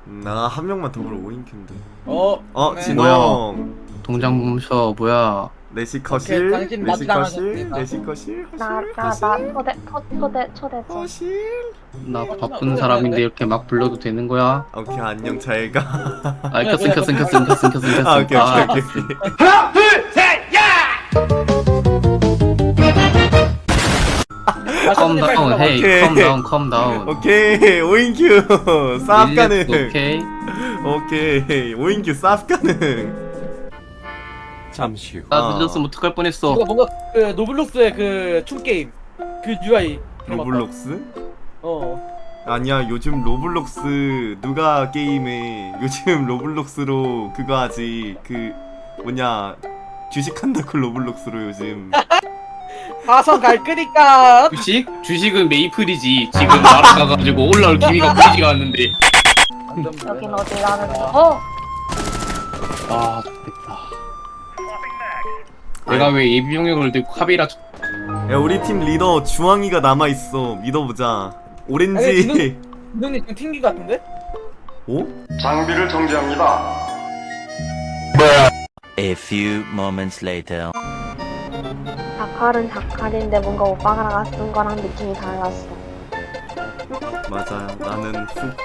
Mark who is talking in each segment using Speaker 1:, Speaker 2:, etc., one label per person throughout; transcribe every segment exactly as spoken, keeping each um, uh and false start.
Speaker 1: 나 한 명만 더불어 오인큐인데.
Speaker 2: 어,
Speaker 1: 어,
Speaker 2: 네.
Speaker 1: 진홍.
Speaker 3: 동장 멈춰. 뭐야?
Speaker 1: 내시 거실,
Speaker 2: 당신
Speaker 1: 내시 거실,
Speaker 2: 마지막이었습니다.
Speaker 1: 내시 거실,
Speaker 4: 나,
Speaker 1: 거실,
Speaker 4: 나, 나
Speaker 1: 거실,
Speaker 4: 초대, 초, 초대, 초대 좀.
Speaker 1: 거실.
Speaker 3: 나 바쁜 사람인데 이렇게 막 불러도 되는 거야?
Speaker 1: 오케이, 안녕, 잘 가.
Speaker 3: 아, 켰음 켰음 켰음 켰음 켰음 켰음.
Speaker 1: 아, 오케이, 오케이, 오케이.
Speaker 2: 하나, 둘, 셋, 야!
Speaker 3: 컴 다운. 헤이.
Speaker 1: 오케이.
Speaker 3: 컴 다운. 컴 다운.
Speaker 1: 오케이, 오인큐. 쌉 가능.
Speaker 3: 오케이.
Speaker 1: 오케이, 오인큐 쌉 가능.
Speaker 5: 잠시 후.
Speaker 3: 나
Speaker 1: 아.
Speaker 3: 늦었으면 어떡할 뻔했어.
Speaker 2: 이거 뭔가 그 노블록스의 그 춤 게임 그 유아이.
Speaker 1: 로블록스?
Speaker 2: 어.
Speaker 1: 아니야, 요즘 로블록스 누가 게임해? 요즘 로블록스로 그거 하지. 그 뭐냐, 주식한다고 로블록스로 요즘.
Speaker 2: 가서 갈 거니까.
Speaker 3: 주식? 주식은 메이플이지. 지금 날아가가지고 올라올 기미가 보이지가 않는데.
Speaker 4: 여긴 어디라는 거? 어?
Speaker 3: 아, 좋겠다. 내가 왜 예비 병력을 들고 카베라
Speaker 1: 야, 우리 팀 리더 주황이가 남아 있어. 믿어보자. 오렌지.
Speaker 2: 누님 지금 튕기 같은데?
Speaker 1: 오?
Speaker 6: 장비를 정지합니다.
Speaker 7: A few moments later.
Speaker 4: 자칼은 자칼인데 뭔가 오빠가 쓴 거랑 느낌이 달랐어.
Speaker 1: 맞아요. 나는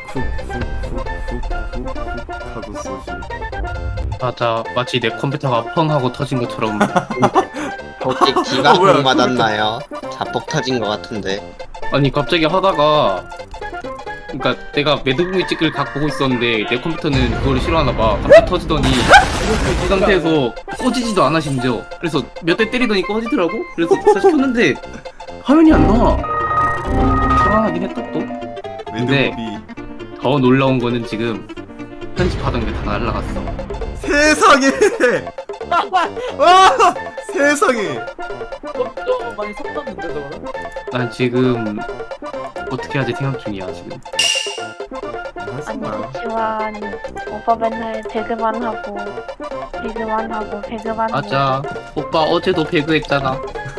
Speaker 1: 훅훅훅훅훅훅훅 하고 쏘지.
Speaker 3: 맞아. 마치 내 컴퓨터가 펑 하고 터진 것처럼.
Speaker 8: 혹시
Speaker 1: 어,
Speaker 8: 기가
Speaker 1: 뭐야,
Speaker 8: 공 맞았나요? 자폭 터진 것 같은데.
Speaker 3: 아니 갑자기 하다가, 그러니까 내가 매듭공이 찍을 각 보고 있었는데 내 컴퓨터는 그걸 싫어하나봐. 갑자기 터지더니 그 상태에서 꺼지지도 않아 심지어. 그래서 몇 대 때리더니 꺼지더라고. 그래서 다시 켰는데 화면이 안 나와. 불안하긴 했다 또. 근데
Speaker 1: 매듭이.
Speaker 3: 더 놀라운 거는 지금 편집하던 게 다 날라갔어.
Speaker 1: 세상에. 와, 세상에.
Speaker 2: 좀, 좀 많이 섰었는데 저거는?
Speaker 3: 난 지금 어떻게 하지 생각 중이야 지금.
Speaker 4: 아니 그치만 오빠 맨날 배그만 하고 배그만 하고 배그만 하고.
Speaker 3: 맞아. 오빠 어제도 배그 했잖아.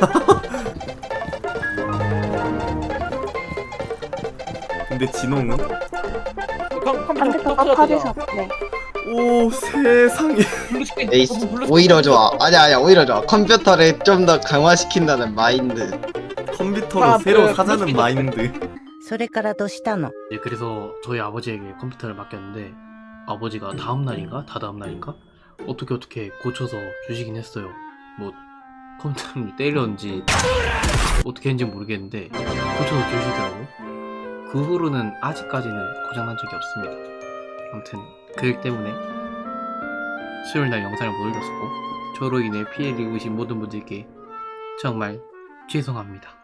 Speaker 1: 근데 진홍은?
Speaker 2: 컴- 컴퓨터
Speaker 4: 컴퓨터가
Speaker 2: 터뜨렸잖아.
Speaker 4: 터지셨네.
Speaker 1: 오, 세상에.
Speaker 2: 블루스크린,
Speaker 8: 에이스
Speaker 2: 저거 블루스크린.
Speaker 8: 오히려 좋아. 아니야 아니야 오히려 좋아. 컴퓨터를 좀 더 강화시킨다는 마인드.
Speaker 1: 컴퓨터로
Speaker 2: 아,
Speaker 1: 새로
Speaker 2: 그
Speaker 1: 사자는
Speaker 2: 블루스크린
Speaker 1: 마인드.
Speaker 9: それからどうしたの
Speaker 3: 네, 그래서 저희 아버지에게 컴퓨터를 맡겼는데 아버지가 다음 날인가 다다음 날인가 어떻게 어떻게 고쳐서 주시긴 했어요. 뭐 컴퓨터를 때렸는지 어떻게 했는지 모르겠는데 고쳐서 주시더라고요. 그 후로는 아직까지는 고장난 적이 없습니다. 아무튼 그 때문에 수요일날 영상을 못 올렸었고 저로 인해 피해를 입으신 모든 분들께 정말 죄송합니다.